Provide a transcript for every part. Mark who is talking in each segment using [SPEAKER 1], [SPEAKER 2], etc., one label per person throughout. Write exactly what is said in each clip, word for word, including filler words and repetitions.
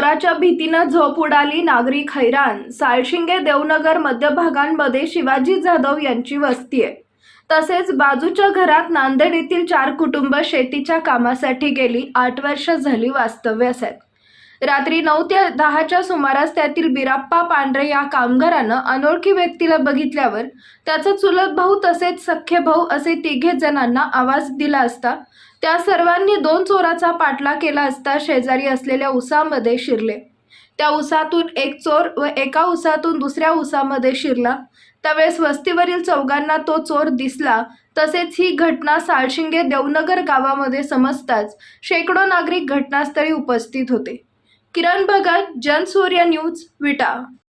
[SPEAKER 1] चोराच्या भीतीनं झोप उडाली, नागरिक हैराण. साळशिंगे देवनगर मध्य भागांमध्ये शिवाजी जाधव यांची वस्ती आहे. तसेच बाजूच्या घरात नांदेड येथील चार कुटुंब शेतीच्या कामासाठी गेली आठ वर्ष झाली वास्तव्यास आहेत. रात्री नऊ ते दहाच्या सुमारास त्यातील बिराप्पा पांढरे या कामगारानं अनोळखी व्यक्तीला बघितल्यावर त्याचा चुलत भाऊ तसेच सख्खे भाऊ असे तिघे जणांना आवाज दिला असता त्या सर्वांनी दोन चोराचा पाठलाग केला असता शेजारी असलेल्या उसामध्ये शिरले. त्या उसातून एक चोर व एका उसातून दुसऱ्या उसामध्ये शिरला. त्यावेळेस वस्तीवरील चौघांना तो चोर दिसला. तसेच ही घटना साळशिंगे देवनगर गावामध्ये समजताच शेकडो नागरिक घटनास्थळी उपस्थित होते. किरण भगत, जनसूर्य न्यूज, विटा.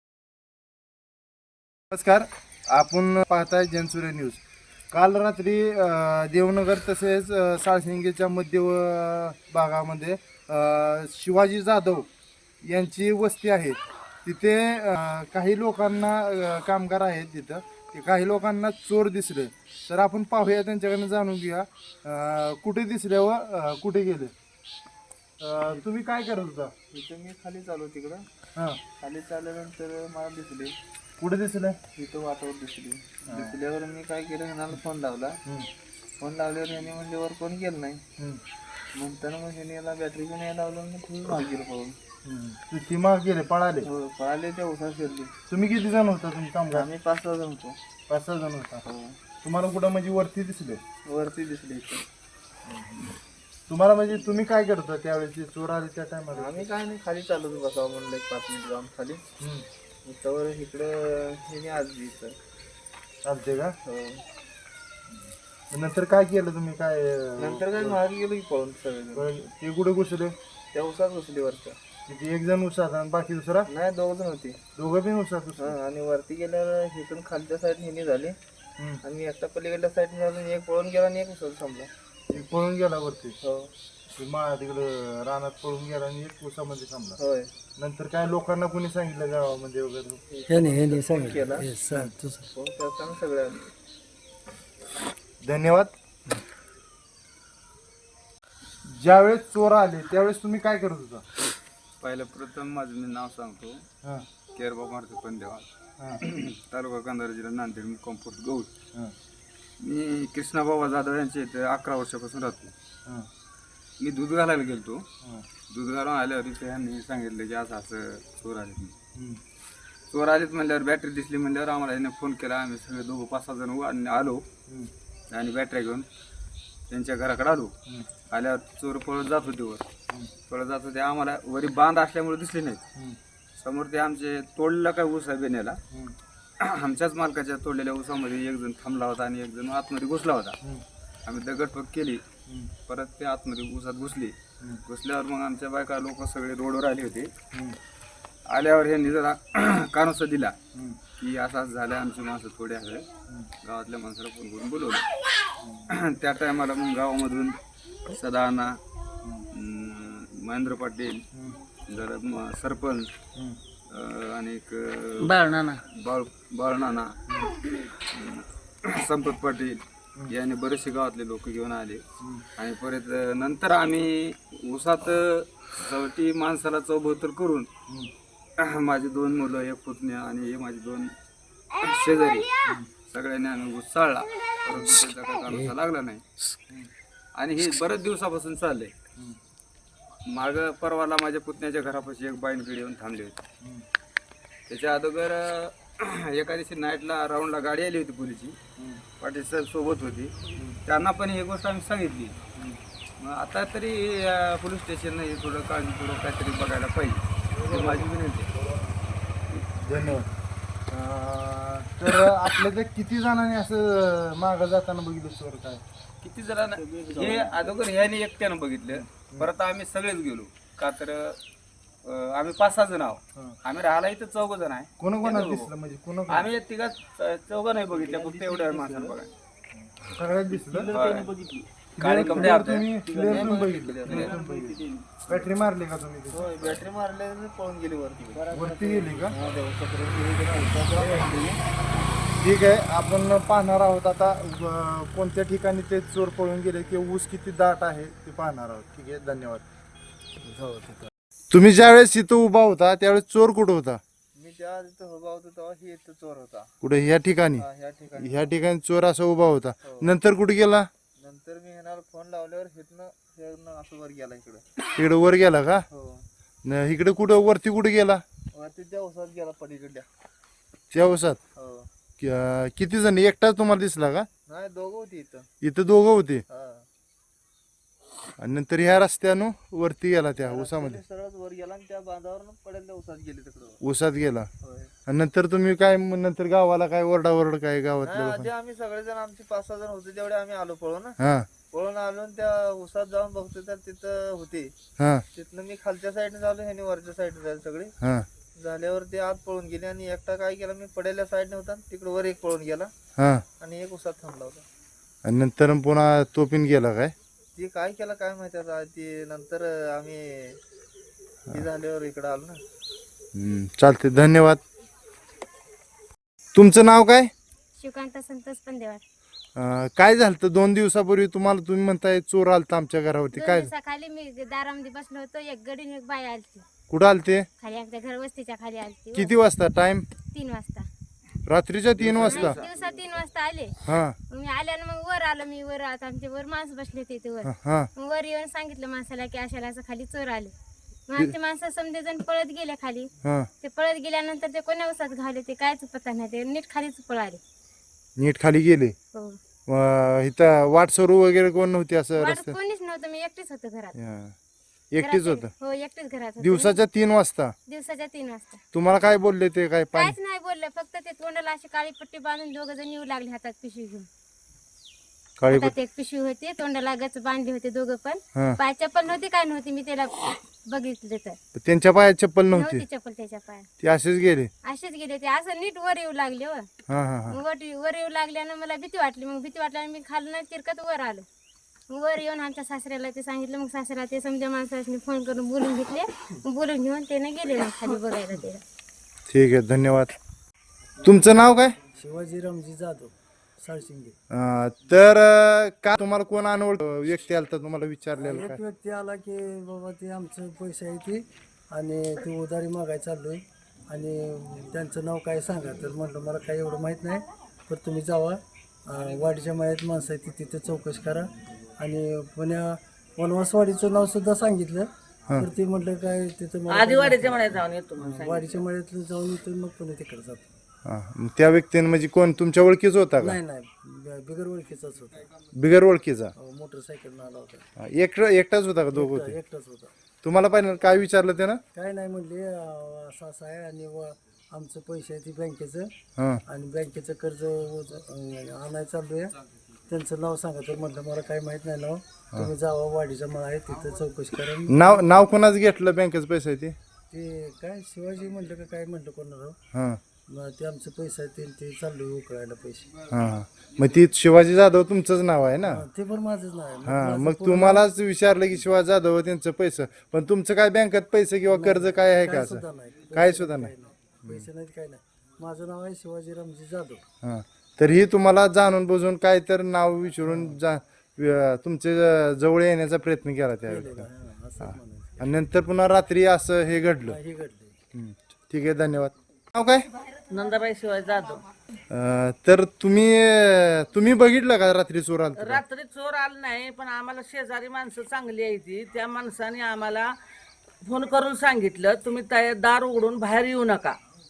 [SPEAKER 2] नमस्कार, आपण पाहताय जनसूर्य न्यूज. काल रात्री देवनगर तसेच साळशिंगेच्या मध्य भागामध्ये शिवाजी जाधव यांची वस्ती आहे. तिथे काही लोकांना कामगार आहेत तिथं ते काही लोकांना चोर दिसले. तर आपण पाहूया, त्यांच्याकडनं जाणून घेऊया कुठे दिसले व कुठे गेले. तुम्ही काय करत होता?
[SPEAKER 3] इथं मी खाली चालू तिकडं.
[SPEAKER 2] हां,
[SPEAKER 3] खाली चालल्यानंतर मला दिसले.
[SPEAKER 2] कुठे दिसले?
[SPEAKER 3] इथं वाटावर दिसली. दिसल्यावर मी काय केलं, ह्याला फोन लावला. फोन लावल्यावर ह्याने म्हणजे वर फोन केलं नाही. म्हणताना मग ह्याने याला बॅटरी पण यायला लावलं आणि तुम्ही माग गेलं पाहून.
[SPEAKER 2] ती माग गेले, पळाले?
[SPEAKER 3] हो, पळाले. त्या उसा शिरली.
[SPEAKER 2] तुम्ही किती जण होता तुम्ही कामगार?
[SPEAKER 3] आम्ही पाच सहा जण होतो.
[SPEAKER 2] पाच सहा जण होता.
[SPEAKER 3] हो,
[SPEAKER 2] तुम्हाला कुठं म्हणजे वरती दिसले?
[SPEAKER 3] वरती दिसले इथं.
[SPEAKER 2] तुम्हाला म्हणजे तुम्ही काय करत होता त्यावेळेस ते चोर आले त्या टायमाला?
[SPEAKER 3] आम्ही काय नाही, खाली चालू बसावं म्हणलं एक पाच मिनिट जाऊन खाली. इथं इकडं हे आज इथं
[SPEAKER 2] चालते का?
[SPEAKER 3] हो.
[SPEAKER 2] नंतर काय केलं तुम्ही? काय
[SPEAKER 3] नंतर काय मागे गेलो की पळून सगळे.
[SPEAKER 2] ते कुठे घुसले?
[SPEAKER 3] त्या उसात घुसली वरच्या.
[SPEAKER 2] किती? एक जण उसात आणि बाकी दुसरा?
[SPEAKER 3] नाही, दोघ जण होती.
[SPEAKER 2] दोघं पण उसात घुसले?
[SPEAKER 3] हा, आणि वरती गेल्यावर इथून खालच्या साईड हिनी झाली आणि एकटा पलीकडल्या साईड झाली. एक पळून गेला आणि एक उसात थांबला.
[SPEAKER 2] एक पळून गेला वरती?
[SPEAKER 3] हो.
[SPEAKER 2] मा तिकडं रानात पळून गेला आणि एक उसामध्ये थांबला.
[SPEAKER 3] होय.
[SPEAKER 2] नंतर काय लोकांना कोणी सांगितलं गावामध्ये वगैरे?
[SPEAKER 3] केला सगळ्या.
[SPEAKER 2] धन्यवाद. ज्यावेळेस चोर आले त्यावेळेस तुम्ही काय करत होता?
[SPEAKER 4] पहिलं प्रथम माझं मी नाव सांगतो.
[SPEAKER 2] हां
[SPEAKER 4] केरबा मारुती पंदेवा,
[SPEAKER 2] हां
[SPEAKER 4] तालुका कंधार, जिल्हा नांदेड, मुक्काम पोस्ट गौड.
[SPEAKER 2] हां
[SPEAKER 4] मी कृष्णाबाबा जाधव यांच्या इथे अकरा वर्षापासून राहतो.
[SPEAKER 2] हां
[SPEAKER 4] मी दूध घालायला गेलतो.
[SPEAKER 2] हां
[SPEAKER 4] दूध घालून आल्यावर इथे ह्यांनी सांगितलं की असं असं चोर आले.
[SPEAKER 2] हं.
[SPEAKER 4] चोर आलेत म्हणल्यावर बॅटरी दिसली म्हणल्यावर आम्हाला ह्याने फोन केला. आम्ही सगळे दोघं पाच सहा जण उ- आलो
[SPEAKER 2] हं.
[SPEAKER 4] आणि बॅटऱ्या घेऊन त्यांच्या घराकडे आलो.
[SPEAKER 2] हं.
[SPEAKER 4] आल्यावर चोर पळत जात होते वर.
[SPEAKER 2] हं.
[SPEAKER 4] पळत जात होते. आम्हाला वरी बांध असल्यामुळे दिसले नाहीत.
[SPEAKER 2] हं.
[SPEAKER 4] समोर ते आमचे तोडलेला काय ऊस आहे बेण्याला.
[SPEAKER 2] हं.
[SPEAKER 4] आमच्याच मालकाच्या तोडलेल्या ऊसामध्ये एक जण थांबला होता आणि एक जण आतमध्ये घुसला होता.
[SPEAKER 2] हं.
[SPEAKER 4] आम्ही दगडफेक केली.
[SPEAKER 2] हं.
[SPEAKER 4] परत ते आतमध्ये ऊसात घुसली.
[SPEAKER 2] हं.
[SPEAKER 4] घुसल्यावर मग आमच्या बायका लोक सगळे रोडवर आले होते.
[SPEAKER 2] हं.
[SPEAKER 4] आल्यावर ह्यांनी जरा कानोसा दिला
[SPEAKER 2] हं.
[SPEAKER 4] की असं असं झालं, आमची माणसं थोडी आहे. गावातल्या माणसाला फोन करून बोलवलं. त्या टायमाला मग गावामधून सदाना, महेंद्र पाटील, जरा म- सरपंच
[SPEAKER 2] हं.
[SPEAKER 4] आणि एक
[SPEAKER 3] बाळनाना
[SPEAKER 4] बाळ बाळनाना, संपत पाटील यांनी बरेचसे गावातले लोक घेऊन आले. आणि परत नंतर आम्ही ऊसात सवटी माणसाला चौबत्तर करून माझी दोन मुलं, एक पुतण्या आणि हे माझी दोन शेजारी सगळ्यांनी आम्ही ऊस चालला. परंतु त्याचा काही कामाचा लागला नाही. आणि हे बरेच दिवसापासून चाललंय. माग परवाला माझ्या पुतण्याच्या घरापाशी एक बाईंकडे येऊन थांबली होती. त्याच्या अगोदर एका दिवशी नाईटला राऊंडला गाडी आली होती पोलीसची. पाटील सर सोबत होती. त्यांना पण ही गोष्ट आम्ही सांगितली. मग आता तरी पोलीस स्टेशननं हे थोडं काळजीपूर्वक काहीतरी बघायला पाहिजे, ही माझी विनंती आहे.
[SPEAKER 2] धन्यवाद. अं, तर आपल्या किती जणांनी असं मागं जाताना बघितलं चोर? काय
[SPEAKER 4] किती जणांना हे अगोदर ह्याने एकट्यानं बघितलं. परत आम्ही सगळेच गेलो. का तर अं, आम्ही पाच सहा जण आहोत. आम्ही राहायला इथं चौघ जण आहे.
[SPEAKER 2] कोणा कोणाला दिसलं? म्हणजे कोणा
[SPEAKER 4] आम्ही तिघा चौघ नाही बघितल्या, फक्त एवढ्या माणसाला बघा.
[SPEAKER 2] सगळ्यात दिसलं?
[SPEAKER 4] काळे कपडे
[SPEAKER 2] Clear
[SPEAKER 4] आपले.
[SPEAKER 2] तुम्ही clear तुम्ही बघितलं? Clear तुम्ही बघितलं. बॅटरी मारली का तुम्ही तिथे?
[SPEAKER 3] होय, बॅटरी मारल्यावर पळून गेली वरती.
[SPEAKER 2] वरती गेली का?
[SPEAKER 3] हा, त्या उसापर्यंत गेली.
[SPEAKER 2] ठीक आहे, आपण पाहणार आहोत आता अं, कोणत्या ठिकाणी ते चोर पळून गेले किंवा ऊस किती दाट आहे ते पाहणार आहोत. ठीक आहे, धन्यवाद. तुम्ही ज्यावेळेस इथं उभा होता त्यावेळेस चोर कुठं होता?
[SPEAKER 3] मी त्या तिथं उभा होतो तेव्हा ही इथं चोर होता.
[SPEAKER 2] कुठे ह्या ठिकाणी?
[SPEAKER 3] हा, ह्या ठिकाणी
[SPEAKER 2] ह्या ठिकाणी चोर असा उभा होता.
[SPEAKER 3] हो.
[SPEAKER 2] नंतर कुठे गेला?
[SPEAKER 3] नंतर मी ह्याला फोन लावल्यावर हिथनं ह्यानं असं वर गेला इकडं.
[SPEAKER 2] इकडे वर गेला का?
[SPEAKER 3] हो
[SPEAKER 2] न इकडे कुठं वरती कुठे गेला?
[SPEAKER 3] वरती त्या उसात गेला पलीकडल्या.
[SPEAKER 2] त्या उसात?
[SPEAKER 3] हो
[SPEAKER 2] कि- अं, किती जण? एकटाच तुम्हाला दिसला का?
[SPEAKER 3] नाही दोघं होती इथं.
[SPEAKER 2] इथं दोघं होते
[SPEAKER 3] हा
[SPEAKER 2] आणि नंतर ह्या रस्त्यानं वरती गेला त्या उसामध्ये.
[SPEAKER 3] सरळ वर गेला आणि त्या बांधावर पडेल उसात गेले तिकडं.
[SPEAKER 2] उसात गेला
[SPEAKER 3] होय.
[SPEAKER 2] आणि नंतर तुम्ही काय मग नंतर गावाला काय ओरडाओरड काय गावातल्या
[SPEAKER 3] नाही,
[SPEAKER 2] लोकांना?
[SPEAKER 3] आधी आम्ही सगळेजण आमचे पाच सहा जण होते तेवढे आम्ही आलो पळून.
[SPEAKER 2] हा
[SPEAKER 3] पळून आलो आणि त्या उसात जाऊन बघतो तर तिथं होते.
[SPEAKER 2] हा
[SPEAKER 3] तिथनं मी खालच्या साईडने झालो ह्याने वरच्या साईडने झाले सगळे.
[SPEAKER 2] हा
[SPEAKER 3] झाल्यावर ते आत पळून गेले आणि एकटा काय केला मी पडेल्या साईडने होता तिकडे वर एक पळून गेला
[SPEAKER 2] हा
[SPEAKER 3] आणि एक उसात थांबला होता.
[SPEAKER 2] आणि नंतर पुन्हा तो पिन गेला काय?
[SPEAKER 3] ते काय केलं काय माहिती आता. ते नंतर आम्ही ते झाल्यावर इकडे आलो ना.
[SPEAKER 2] हम्म, चालते. धन्यवाद. तुमचं नाव काय?
[SPEAKER 5] शिवकांत संतोष पंदेवाड.
[SPEAKER 2] अं, काय झालं दोन दिवसापूर्वी तुम्हाला? तुम्ही म्हणताय चोर आलता आमच्या घरावरती.
[SPEAKER 5] दोन
[SPEAKER 2] काय
[SPEAKER 5] दिवसाखाली मी दारामध्ये बसलो होतो. एक गडी आणि एक बाई आलती
[SPEAKER 2] कुठं आलते?
[SPEAKER 5] खाली आमच्या घर वस्तीच्या खाली आलती.
[SPEAKER 2] किती वाजता? टाइम?
[SPEAKER 5] तीन वाजता.
[SPEAKER 2] रात्रीच्या तीन वाजता?
[SPEAKER 5] दिवसा तीन वाजता आले.
[SPEAKER 2] हा
[SPEAKER 5] मग मी आल्यानं मग वर आलो. मी वर आता आमचे वर माणसं बसले होते इथे वर.
[SPEAKER 2] हा, हा
[SPEAKER 5] मग वर येऊन सांगितलं माणसाला की अशाला असं खाली चोर आले. मग आमचे माणसं समजे जण पळत गेले खाली.
[SPEAKER 2] हा
[SPEAKER 5] ते पळत गेल्यानंतर ते कोण्या उसात घावले ते कायच पत्ता नाही. ते नीट खालीच पळाले.
[SPEAKER 2] नीट खाली गेले.
[SPEAKER 5] हो
[SPEAKER 2] अं, इथं वाट सरू वगैरे कोण नव्हती असं
[SPEAKER 5] वाट
[SPEAKER 2] रस्त्यात?
[SPEAKER 5] कोणीच नव्हतं. मी एकटीच होतो घरात.
[SPEAKER 2] हा. एकटीच
[SPEAKER 5] घरात-
[SPEAKER 2] होत?
[SPEAKER 5] हो एकटीच घरात होते.
[SPEAKER 2] दिवसाच्या तीन वाजता?
[SPEAKER 5] दिवसाच्या तीन वाजता.
[SPEAKER 2] तुम्हाला काय बोलले ते? काय पाणी?
[SPEAKER 5] काहीच नाही बोलले. फक्त ते तोंडाला अशी काळी पट्टी बांधून दोघ जण येऊ लागले हातात पिशवी घेऊन.
[SPEAKER 2] काळी
[SPEAKER 5] हातात एक पिशवी होती. तोंडाला गच बांधली होती दोघं पण.
[SPEAKER 2] हा.
[SPEAKER 5] पाय चप्पल नव्हती काय नव्हती. मी त्याला बघितलं तर
[SPEAKER 2] त्यांच्या पायात चप्पल नव्हती?
[SPEAKER 5] नव्हती चप्पल त्याच्या पायात.
[SPEAKER 2] ते असेच गेले?
[SPEAKER 5] असेच गेले ते. असं नीट वर येऊ लागले. हो
[SPEAKER 2] हा हा हा
[SPEAKER 5] मग वर वर येऊ लागल्यानं मला भीती वाटली. मग भीती वाटल्यानं मी खाली नाही तिरकत वर आलो. मग वर येऊन आमच्या सासऱ्याला ते सांगितलं. मग सासऱ्याला ते समजा माणसाने फोन करून बोलून घेतले. मग बोलून घेऊन त्याने गेले मग खाली बघायला त्याला.
[SPEAKER 2] ठीक आहे. धन्यवाद. तुमचं नाव काय?
[SPEAKER 6] शिवाजी रामजी जाधव साळशिंगे.
[SPEAKER 2] अं, तर अं, का तुम्हाला कोण अनोळख व्यक्ती आला तर तुम्हाला विचारलेलं
[SPEAKER 6] एक
[SPEAKER 2] काय?
[SPEAKER 6] व्यक्ती आला की बाबा ते आमचं पैसे आहे ते आणि ते उधारी मागायला चाललोय आणि त्यांचं नाव काय सांगा. तर म्हटलं मला काही एवढं माहीत नाही. तर तुम्ही जावा अं, वाडीच्या मायात माणसं आहे ती तिथं चौकशी करा. आणि पुण्या वनवासवाडीचं नाव सुद्धा सांगितलं. तर ते म्हटलं काय तिथं मला
[SPEAKER 7] आधी वाडीच्या मळ्यात जाऊन येतो म्हणून
[SPEAKER 6] काही- वाडीच्या मळ्यातलं जाऊन येतो मग पुन्हा तिकडे जातो.
[SPEAKER 2] हा, मग त्या व्यक्तीने म्हणजे कोण तुमच्या ओळखीच होता का?
[SPEAKER 6] नाही नाही ब- बिगर ओळखीचाच होता.
[SPEAKER 2] बिगर ओळखीचा?
[SPEAKER 6] अं, मोटरसायकलनं आला होता.
[SPEAKER 2] हा, एकटा एकटाच होता का? दोघं होते?
[SPEAKER 6] एकटाच होता.
[SPEAKER 2] तुम्हाला पाहिजे काय विचारलं त्यानं?
[SPEAKER 6] काय नाही म्हणले अं, असं असं आहे आणि व आमचं पैसे आहे ते बँकेचं
[SPEAKER 2] हा
[SPEAKER 6] आणि बँकेचं कर्ज वज- अं, आणायला चालू आहे. त्यांचं नाव सांगा. तर म्हटलं मला काही माहीत नाही नाव. तुम्ही जावा वाडीचा मळा आहे तिथं चौकशी करा.
[SPEAKER 2] नाव नाव कोणाच घेतलं बँकेचं पैसे आहे ते?
[SPEAKER 6] ते काय शिवाजी म्हटलं का काय म्हटलं कोणाला.
[SPEAKER 2] हा
[SPEAKER 6] मग ते आमचं पैसे आहे ते ते चालू आहे उकळायला पैसे.
[SPEAKER 2] हा हा. मग ती शिवाजी जाधव तुमचंच नाव आहे ना?
[SPEAKER 6] हा, ते पण माझंच नाव आहे. मग
[SPEAKER 2] हा
[SPEAKER 6] माझं
[SPEAKER 2] मग
[SPEAKER 6] पूर्ण
[SPEAKER 2] तुम्हालाच विचारलं की शिवाजी जाधव त्यांचं पैसे, पण तुमचं काय बँकेत पैसे किंवा कर्ज काय आहे का
[SPEAKER 6] काय
[SPEAKER 2] असं?
[SPEAKER 6] सुद्धा नाही.
[SPEAKER 2] काय सुद्धा नाही.
[SPEAKER 6] पैसे नाहीत काय नाही. माझं नाव आहे शिवाजी रामजी जाधव.
[SPEAKER 2] हा तर ही तुम्हाला जाणून बुजून काय तर नाव विचारून जा व- तुमचे जवळ येण्याचा प्रयत्न केला त्यावेळी.
[SPEAKER 6] हा, असं म्हणायचं.
[SPEAKER 2] आणि नंतर पुन्हा रात्री असं हे घडलं.
[SPEAKER 6] हे घडले.
[SPEAKER 2] हम्म. ठीक आहे. धन्यवाद. नाव काय?
[SPEAKER 7] नंदाबाई शिवाय जाधव.
[SPEAKER 2] अं, तर तुम्ही तुम्ही बघितलं का रात्री चोर आलता का?
[SPEAKER 7] रात्री चोर आलं नाही पण आम्हाला शेजारी माणसं चांगली आहे ती. त्या माणसाने आम्हाला फोन करून सांगितलं तुम्ही त्या दार उघडून बाहेर येऊ नका.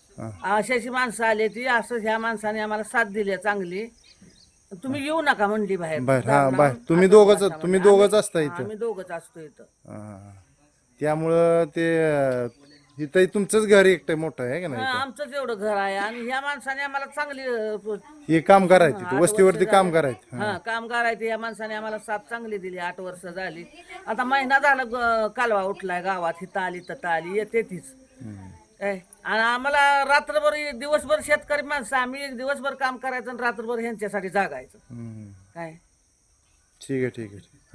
[SPEAKER 7] अशाशी माणसं आली ती. असं ह्या माणसाने आम्हाला साथ दिली चांगली. तुम्ही येऊ नका म्हणली बाहेर.
[SPEAKER 2] बाहेर
[SPEAKER 7] दार
[SPEAKER 2] हा
[SPEAKER 7] लावून
[SPEAKER 2] बाहेर तुम्ही
[SPEAKER 7] आतच
[SPEAKER 2] दोघच
[SPEAKER 7] बसा
[SPEAKER 2] तुम्ही
[SPEAKER 7] म्हणले.
[SPEAKER 2] दोघच असता
[SPEAKER 7] आम्ही-
[SPEAKER 2] इथं?
[SPEAKER 7] आम्ही दोघच असतो इथं.
[SPEAKER 2] हा. त्यामुळं ते अं, इथं तुमचंच घर एकटं मोठं आहे का
[SPEAKER 7] हा,
[SPEAKER 2] नाही?
[SPEAKER 7] आमचंच एवढं घर आहे आणि ह्या माणसाने आम्हाला चांगली अं,
[SPEAKER 2] हे काम करायचं
[SPEAKER 7] आठ
[SPEAKER 2] तिथं वस्तीवरती
[SPEAKER 7] वर्ष
[SPEAKER 2] काम
[SPEAKER 7] झाली.
[SPEAKER 2] करायचं.
[SPEAKER 7] हा काम करायचं. या माणसाने आम्हाला साथ चांगली दिली. आठ वर्ष झाली. आता महिना झाला ग- कालवा उठलाय गावात. हिथं आली तथं आली येते तीच काय. आणि आम्हाला रात्रभर दिवसभर शेतकरी माणसं आम्ही एक दिवसभर काम करायचं आणि रात्रभर ह्यांच्यासाठी जागायचं
[SPEAKER 2] हम्म.
[SPEAKER 7] काय.
[SPEAKER 2] ठीक आहे ठीक आहे.